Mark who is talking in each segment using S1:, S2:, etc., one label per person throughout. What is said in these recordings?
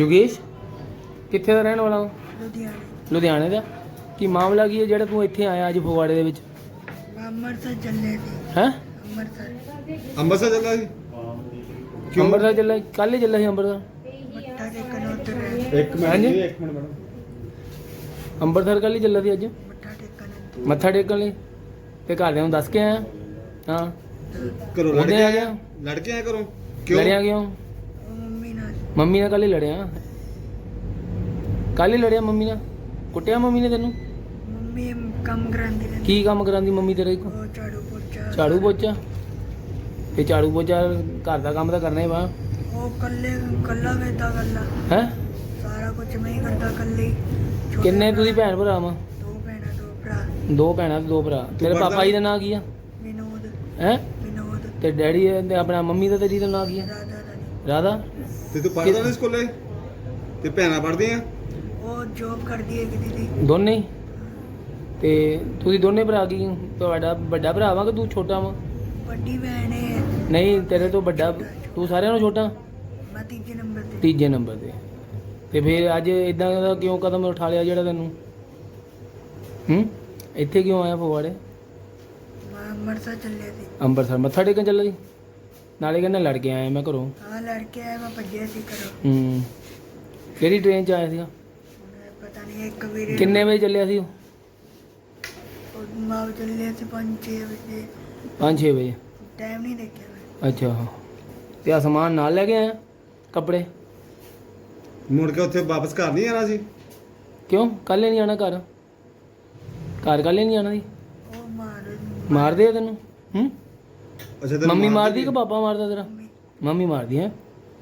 S1: ਯੋਗੇਸ਼ ਕਿੱਥੇ ਦਾ ਰਹਿਣ ਵਾਲਾ ਵਾ?
S2: ਲੁਧਿਆਣੇ
S1: ਲੁਧਿਆਣੇ ਦਾ। ਕੀ ਮਾਮਲਾ ਕੀ ਹੈ ਜਿਹੜਾ ਤੂੰ ਇੱਥੇ ਆਇਆ ਅੱਜ ਫਗਵਾੜੇ ਦੇ ਵਿੱਚ?
S2: ਅੰਮ੍ਰਿਤਸਰ ਚੱਲੇ ਸੀ।
S1: ਹੈ
S3: ਅੰਮ੍ਰਿਤਸਰ ਚੱਲਾ ਸੀ ਕਿਉਂ?
S1: ਅੰਮ੍ਰਿਤਸਰ ਚੱਲਾ? ਕੱਲ੍ਹ ਹੀ ਚੱਲਾ ਸੀ ਅੰਮ੍ਰਿਤਸਰ।
S2: ਮੱਥਾ ਟੇਕਣ ਉੱਧਰ ਗਏ।
S3: ਇੱਕ ਮਿੰਟ
S1: ਹਾਂਜੀ?
S3: ਜੀ, ਇੱਕ ਮਿੰਟ ਮੈਡਮ।
S1: ਅੰਮ੍ਰਿਤਸਰ ਕੱਲ੍ਹ ਹੀ ਚੱਲਾ ਸੀ ਅੱਜ
S2: ਮੱਥਾ ਟੇਕਣ
S1: ਮੱਥਾ ਟੇਕਣ ਲਈ। ਤੇ ਘਰਦਿਆਂ ਨੂੰ ਦੱਸ ਕੇ ਆਇਆ? ਹਾਂ।
S3: ਘਰੋਂ ਲੜ
S1: ਉਹਦੇ
S3: ਕੇ
S1: ਆ
S3: ਆਇਆ?
S1: ਗਿਆ?
S3: ਲੜ ਕੇ ਆਇਆ ਘਰੋਂ ਕਿਉਂ?
S1: ਲੜਿਆ ਕਿਉਂ?
S2: ਉਹ ਮੰਮੀ ਨਾਲ
S1: ਮੰਮੀ ਨਾਲ ਕੱਲ੍ਹ ਹੀ ਲੜਿਆ? ਕੱਲ੍ਹ ਹੀ ਲੜਿਆ ਮੰਮੀ ਨਾਲ? ਕੁੱਟਿਆ ਮੰਮੀ ਨੇ ਤੈਨੂੰ?
S2: ਮੰਮੀ ਕੰਮ ਕਰਾਂਦੀ ਰਹਿੰਦੀ।
S1: ਕੀ ਕੰਮ ਕਰਾਂਦੀ ਮੰਮੀ ਤੇਰੇ ਕੋਲ?
S2: ਉਹ ਝਾੜੂ ਪੋਚਾ
S1: ਝਾੜੂ ਪੋਚਾ? ਤੇ ਝਾੜੂ ਪੋਚਾ ਘਰ ਦਾ ਕੰਮ ਤਾਂ ਕਰਨਾ ਹੀ ਵਾ।
S2: ਉਹ ਕੱਲਾ ਵੇਦਾ ਕੱਲਾ
S1: ਹੈ?
S2: ਸਾਰਾ ਕੁਝ ਮੈਂ ਹੀ ਕਰਦਾ ਕੱਲੇ ਹੀ। ਛੋਟੇ
S1: ਕਿੰਨੇ ਤੁਸੀਂ
S2: ਭਰਾ,
S1: ਭੈਣ ਭਰਾ ਵਾ?
S2: ਦੋ ਭੈਣਾਂ ਦੋ ਭਰਾ।
S1: ਦੋ ਭੈਣਾਂ ਤੇ ਦੋ ਭਰਾ। ਤੇਰੇ
S3: ਪੜ੍ਹਦਾ
S1: ਪਾਪਾ ਜੀ ਦਾ ਨਾਂ ਕੀ ਆ?
S2: ਵਿਨੋਦ
S1: ਹੈ?
S2: ਵਿਨੋਦ
S1: ਤੇ ਡੈਡੀ ਤੇ ਆਪਣਾ ਮੰਮੀ ਦਾ ਤੇਰੀ ਦਾ ਨਾਂ ਕੀ ਆ?
S2: ਰਾਧਾ ਰਾਣੀ।
S1: ਰਾਧਾ।
S3: ਤੇ ਤੂੰ ਪੜ੍ਹਦਾ ਨਹੀਂ ਸਕੂਲੇ? ਤੇ ਭੈਣਾਂ ਪੜ੍ਹਦੀਆਂ?
S2: ਉਹ ਜੋਬ ਕਰਦੀ ਹੈ ਦੀਦੀ।
S1: ਦੋਨੇ ਹੀ? ਤੇ ਤੁਸੀਂ ਦੋਨੇ ਭਰਾ ਕੀ? ਤੁਹਾਡਾ ਵੱਡਾ ਭਰਾ ਵਾ ਕਿ ਤੂੰ ਛੋਟਾ ਵਾ?
S2: ਵੱਡੀ ਭੈਣ ਹੈ।
S1: ਨਹੀਂ ਤੇਰੇ ਤੋਂ ਵੱਡਾ ਤੂੰ ਸਾਰਿਆਂ ਨੂੰ ਛੋਟਾ?
S2: ਮੈਂ ਤੀਜੇ ਨੰਬਰ ਤੇ।
S1: ਤੀਜੇ ਨੰਬਰ ਤੇ। ਤੇ ਫਿਰ ਅੱਜ ਇਦਾਂ ਦਾ ਕਿਉਂ ਕਦਮ ਉਠਾ ਲਿਆ ਜਿਹੜਾ ਤੈਨੂੰ? ਇੱਥੇ ਕਿਉਂ ਆਇਆ ਫਗਵਾੜੇ?
S2: ਮੈਂ ਅੰਮ੍ਰਿਤਸਰ ਚੱਲੇ ਸੀ।
S1: ਅੰਮ੍ਰਿਤਸਰ ਮੱਥਾ ਟੇਕਣ ਚੱਲਾ ਸੀ? ਨਾਲੇ ਕਹਿੰਦਾ ਲੜ ਕੇ ਆਇਆ ਮੈਂ ਘਰੋਂ।
S2: ਹਾਂ ਲੜਕੇ ਆਏ, ਮੈਂ ਭੱਜਿਆ ਸੀ ਘਰੋਂ।
S1: ਕਿਹੜੀ ਟ੍ਰੇਨ 'ਚ ਆਇਆ ਸੀਗਾ?
S2: ਪਤਾ ਨਹੀਂ ਇੱਕ ਵੀਰੇ
S1: ਕਿੰਨੇ ਵਜੇ ਚੱਲਿਆ ਸੀ ਉਹ?
S2: ਮਾਂ ਚੱਲੇ ਸੀ 5-6 ਵਜੇ।
S1: 5-6 ਵਜੇ?
S2: ਟਾਈਮ ਨਹੀਂ ਦੇਖਿਆ ਮੈਂ।
S1: ਅੱਛਾ। ਤੇ ਆ ਸਮਾਨ ਨਾਲ ਲੈ ਕੇ ਆਇਆ? ਕੱਪੜੇ?
S3: ਮੁੜ ਕੇ ਉੱਥੇ ਵਾਪਸ ਘਰ ਨਹੀਂ ਆਣਾ ਸੀ?
S1: ਕਿਉਂ ਕੱਲ੍ਹ ਨਹੀਂ ਆਣਾ ਘਰ? ਘਰ ਕੱਲ੍ਹ ਨਹੀਂ ਆਣਾ ਸੀ?
S2: ਉਹ
S1: ਮਾਰਦੇ ਆ ਤੈਨੂੰ?
S3: ਅੱਛਾ ਤੈਨੂੰ
S1: ਮੰਮੀ
S3: ਮਾਰਦੀ
S1: ਮਾਰਦੀ ਕਿ ਪਾਪਾ ਮਾਰਦਾ ਤੇਰਾ? ਮੰਮੀ ਮਾਰਦੀ ਹੈ?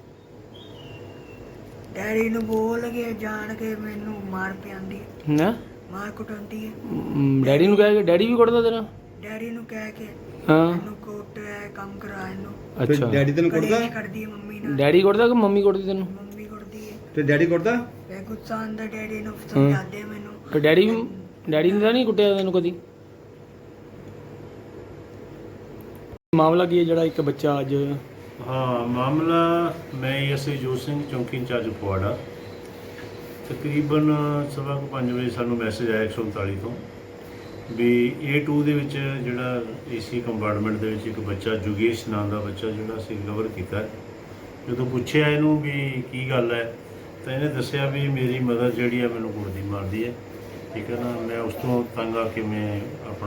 S2: ਡੈਡੀ ਨੂੰ ਬੋਲ ਕੇ ਜਾਣ ਕੇ ਮੈਨੂੰ ਮਾਰ ਪਿਆਂਦੀ ਹੈ।
S1: ਨਾ
S2: ਮਾਰ ਕੁਟਾਉਂਦੀ ਹੈ।
S1: ਡੈਡੀ ਨੂੰ ਕਹਿ ਕੇ ਡੈਡੀ ਵੀ ਕੁੱਟਦਾ ਤੇਰਾ?
S2: ਡੈਡੀ ਨੂੰ ਕਹਿ ਕੇ
S1: ਹਾਂ।
S2: ਮੈਨੂੰ ਕੋਟ ਕੰਮ ਕਰਾ ਇਹਨੂੰ।
S3: ਤੇ
S1: ਅੱਛਾ।
S3: ਡੈਡੀ ਤੈਨੂੰ ਕੁੱਟਦਾ?
S2: ਕਲੇਸ਼ ਕਰਦੀ ਹੈ ਮੰਮੀ ਨਾਲ।
S1: ਡੈਡੀ ਕੁੱਟਦਾ ਕਿ ਮੰਮੀ ਕੁੱਟਦੀ ਤੈਨੂੰ?
S2: ਮੰਮੀ ਕੁੱਟਦੀ ਹੈ।
S3: ਤੇ ਡੈਡੀ ਕੁੱਟਦਾ?
S2: ਮੈਂ ਗੁੱਸਾ ਆਉਂਦਾ ਡੈਡੀ ਨੂੰ ਸਮਝਾਦੇ ਮੈਨੂੰ।
S1: ਤੇ ਡੈਡੀ ਨੇ ਤਾਂ ਨਹੀਂ ਕੁੱਟਿਆ ਤੈਨੂੰ ਕਦੀ? ਮਾਮਲਾ ਕੀ ਹੈ ਜਿਹੜਾ ਇੱਕ ਬੱਚਾ ਅੱਜ?
S4: ਹਾਂ ਮਾਮਲਾ ਮੈਂ ਐਸਆਈ ਜੋਤ ਸਿੰਘ ਚੌਂਕੀ ਇੰਚਾਰਜ ਫਗਵਾੜਾ। ਤਕਰੀਬਨ 5:15 ਵਜੇ ਸਾਨੂੰ ਮੈਸੇਜ ਆਇਆ 139 ਤੋਂ ਵੀ A2 ਦੇ ਵਿੱਚ ਜਿਹੜਾ ਏਸੀ ਕੰਪਾਰਟਮੈਂਟ ਦੇ ਵਿੱਚ ਇੱਕ ਬੱਚਾ ਯੋਗੇਸ਼ ਨਾਂ ਦਾ ਬੱਚਾ ਜਿਹੜਾ ਅਸੀਂ ਰਿਕਵਰ ਕੀਤਾ। ਜਦੋਂ ਪੁੱਛਿਆ ਇਹਨੂੰ ਵੀ ਕੀ ਗੱਲ ਹੈ ਤਾਂ ਇਹਨੇ ਦੱਸਿਆ ਵੀ ਮੇਰੀ ਮਦਰ ਜਿਹੜੀ ਹੈ ਮੈਨੂੰ ਕੁੱਟਦੀ ਮਾਰਦੀ ਹੈ। ਠੀਕ ਹੈ ਨਾ। ਮੈਂ ਉਸ ਤੋਂ ਤੰਗ ਆ ਕੇ ਮੈਂ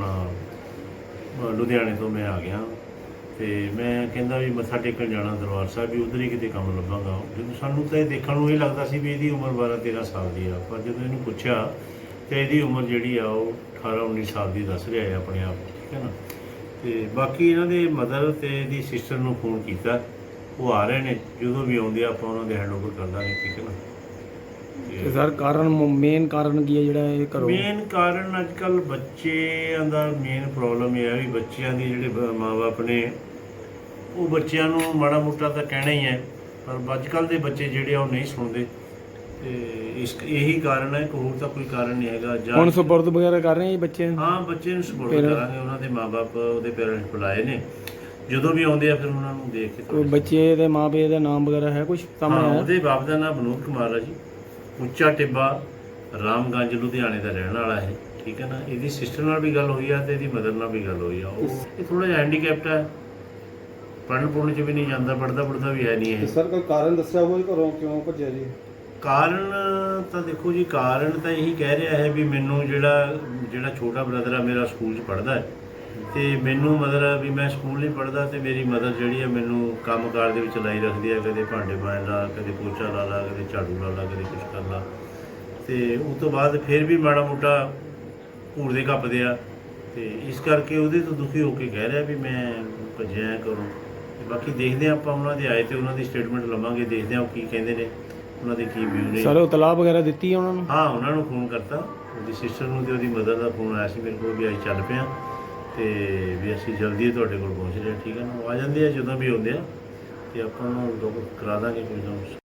S4: ਆਪਣਾ ਲੁਧਿਆਣੇ ਤੋਂ ਮੈਂ ਆ ਗਿਆ ਤੇ ਮੈਂ ਕਹਿੰਦਾ ਵੀ ਮੱਥਾ ਟੇਕਣ ਜਾਣਾ ਦਰਬਾਰ ਸਾਹਿਬ, ਵੀ ਉੱਧਰ ਹੀ ਕਿਤੇ ਕੰਮ ਲੱਭਾਂਗਾ। ਜਦੋਂ ਸਾਨੂੰ ਤਾਂ ਇਹ ਦੇਖਣ ਨੂੰ ਇਹ ਲੱਗਦਾ ਸੀ ਵੀ ਇਹਦੀ ਉਮਰ 12-13 ਸਾਲ ਦੀ ਆ, ਪਰ ਜਦੋਂ ਇਹਨੂੰ ਪੁੱਛਿਆ ਤਾਂ ਇਹਦੀ ਉਮਰ ਜਿਹੜੀ ਆ ਉਹ 18-19 ਸਾਲ ਦੀ ਦੱਸ ਰਿਹਾ ਹੈ ਆਪਣੇ ਆਪ। ਠੀਕ ਹੈ ਨਾ। ਤੇ ਬਾਕੀ ਇਹਨਾਂ ਦੇ ਮਦਰ ਤੇ ਇਹਦੀ ਸਿਸਟਰ ਨੂੰ ਫੋਨ ਕੀਤਾ, ਉਹ ਆ ਰਹੇ ਨੇ। ਜਦੋਂ ਵੀ ਆਉਂਦੇ ਆਪਾਂ ਉਹਨਾਂ ਦੇ ਹੈਂਡਓਵਰ ਕਰ ਦਾਂਗੇ। ਠੀਕ ਹੈ ਨਾ।
S1: ਤੇ ਸਰ ਕਾਰਨ ਮੇਨ ਕਾਰਨ ਕੀ ਹੈ ਜਿਹੜਾ ਇਹ ਕਰੋ?
S4: ਮੇਨ ਕਾਰਨ ਅੱਜ ਕੱਲ੍ਹ ਬੱਚਿਆਂ ਦਾ ਮੇਨ ਪ੍ਰੋਬਲਮ ਇਹ ਹੈ ਵੀ ਬੱਚਿਆਂ ਦੀ ਜਿਹੜੇ ਮਾਂ-ਬਾਪ ਨੇ ਉਹ ਬੱਚਿਆਂ ਨੂੰ ਮਾੜਾ ਮੋਟਾ ਤਾਂ ਕਹਿਣਾ ਹੀ ਹੈ, ਪਰ ਅੱਜ ਕੱਲ੍ਹ ਦੇ ਬੱਚੇ ਜਿਹੜੇ ਆ ਉਹ ਨਹੀਂ ਸੁਣਦੇ। ਤੇ ਇਹੀ ਕਾਰਨ ਹੈ, ਹੋਰ ਤਾਂ ਕੋਈ ਕਾਰਨ ਨਹੀਂ ਹੈਗਾ।
S1: ਹੁਣ ਸਪੁਰਦ ਵਗੈਰਾ ਕਰ ਰਹੇ ਆ ਜੀ ਬੱਚੇ?
S4: ਹਾਂ ਬੱਚੇ ਨੂੰ ਸਪੋਰਟ ਕਰਾਂਗੇ। ਉਹਨਾਂ ਦੇ ਮਾਂ-ਬਾਪ ਉਹਦੇ ਪੇਰੈਂਟਸ ਬੁਲਾਏ ਨੇ, ਜਦੋਂ ਵੀ ਆਉਂਦੇ ਆ ਫਿਰ ਉਹਨਾਂ ਨੂੰ ਦੇਖ ਕੇ।
S1: ਕੋਈ ਬੱਚੇ ਦੇ ਮਾਂ-ਪਿਓ ਦਾ ਨਾਮ ਵਗੈਰਾ ਹੈ ਕੁਝ ਸਾਹਮਣੇ ਆਇਆ?
S4: ਉਹਦੇ ਬਾਪ ਦਾ ਨਾਮ ਵਿਨੋਦ ਕੁਮਾਰ ਹੈ ਜੀ। ਉੱਚਾ ਟਿੱਬਾ ਰਾਮਗੰਜ ਲੁਧਿਆਣੇ ਦਾ ਰਹਿਣ ਵਾਲਾ ਹੈ। ਠੀਕ ਹੈ ਨਾ। ਇਹਦੀ ਸਿਸਟਰ ਨਾਲ ਵੀ ਗੱਲ ਹੋਈ ਆ ਤੇ ਇਹਦੀ ਮਦਰ ਨਾਲ ਵੀ ਗੱਲ ਹੋਈ ਆ। ਉਹ ਇਹ ਥੋੜਾ ਜਿਹਾ ਹੈਂਡੀਕੈਪਟ ਹੈ, ਪੜ੍ਹਨ ਪੁੜ੍ਹਨ 'ਚ ਵੀ ਨਹੀਂ ਜਾਂਦਾ, ਪੜ੍ਹਦਾ ਵੀ ਹੈ ਨਹੀਂ ਇਹ।
S3: ਸਰ ਕੋਈ ਕਾਰਨ ਦੱਸਿਆ ਹੋਵੇ ਘਰੋਂ ਕਿਉਂ ਭੱਜਿਆ ਜੀ?
S4: ਕਾਰਨ ਤਾਂ ਦੇਖੋ ਜੀ, ਕਾਰਨ ਤਾਂ ਇਹੀ ਕਹਿ ਰਿਹਾ ਹੈ ਵੀ ਮੈਨੂੰ ਜਿਹੜਾ ਛੋਟਾ ਬ੍ਰਦਰ ਆ ਮੇਰਾ ਸਕੂਲ 'ਚ ਪੜ੍ਹਦਾ ਹੈ ਤੇ ਮੈਨੂੰ ਮਦਰ ਆ ਵੀ ਮੈਂ ਸਕੂਲ ਨਹੀਂ ਪੜ੍ਹਦਾ ਤੇ ਮੇਰੀ ਮਦਰ ਜਿਹੜੀ ਹੈ ਮੈਨੂੰ ਕੰਮਕਾਰ ਦੇ ਵਿੱਚ ਲਾਈ ਰੱਖਦੀ ਹੈ। ਕਦੇ ਭਾਂਡੇ ਮਾਂਜ ਲਾ, ਕਦੇ ਪੋਚਾ ਲਾ ਲਾ, ਕਦੇ ਝਾੜੂ ਲਾ ਲਾ, ਕਦੇ ਕੁਛ ਕਰ ਲਾ। ਤੇ ਉਸ ਤੋਂ ਬਾਅਦ ਫਿਰ ਵੀ ਮਾੜਾ ਮੋਟਾ ਘੂਰਦੇ ਕੱਪਦੇ ਆ ਤੇ ਇਸ ਕਰਕੇ ਉਹਦੇ ਤੋਂ ਦੁਖੀ ਹੋ ਕੇ ਕਹਿ ਰਿਹਾ ਵੀ ਮੈਂ ਭੱਜਿਆ ਕਰੂੰ। ਬਾਕੀ ਦੇਖਦੇ ਹਾਂ ਆਪਾਂ, ਉਹਨਾਂ ਦੇ ਆਏ ਤੇ ਉਹਨਾਂ ਦੀ ਸਟੇਟਮੈਂਟ ਲਵਾਂਗੇ, ਦੇਖਦੇ ਹਾਂ ਉਹ ਕੀ ਕਹਿੰਦੇ ਨੇ, ਉਹਨਾਂ ਦੇ ਕੀ ਵਿਊ ਨੇ।
S1: ਸਰ ਉਹ ਤਲਾਬ ਵਗੈਰਾ ਦਿੱਤੀ ਹੈ ਉਹਨਾਂ ਨੂੰ?
S4: ਹਾਂ ਉਹਨਾਂ ਨੂੰ ਫੋਨ ਕਰਤਾ, ਉਹਦੀ ਸਿਸਟਰ ਨੂੰ ਤੇ ਉਹਦੀ ਮਦਰ ਦਾ ਫੋਨ ਆਇਆ ਸੀ ਮੇਰੇ ਕੋਲ ਵੀ ਅਸੀਂ ਚੱਲ ਪਏ ਹਾਂ ਤੇ ਵੀ ਅਸੀਂ ਜਲਦੀ ਤੁਹਾਡੇ ਕੋਲ ਪਹੁੰਚ ਰਹੇ। ਠੀਕ ਹੈ ਨਾ। ਉਹ ਆ ਜਾਂਦੇ ਆ ਜਦੋਂ ਵੀ ਆਉਂਦੇ ਆ ਤੇ ਆਪਾਂ ਨੂੰ ਕਰਾ ਦਾਂਗੇ ਕੋਈ ਨਾ।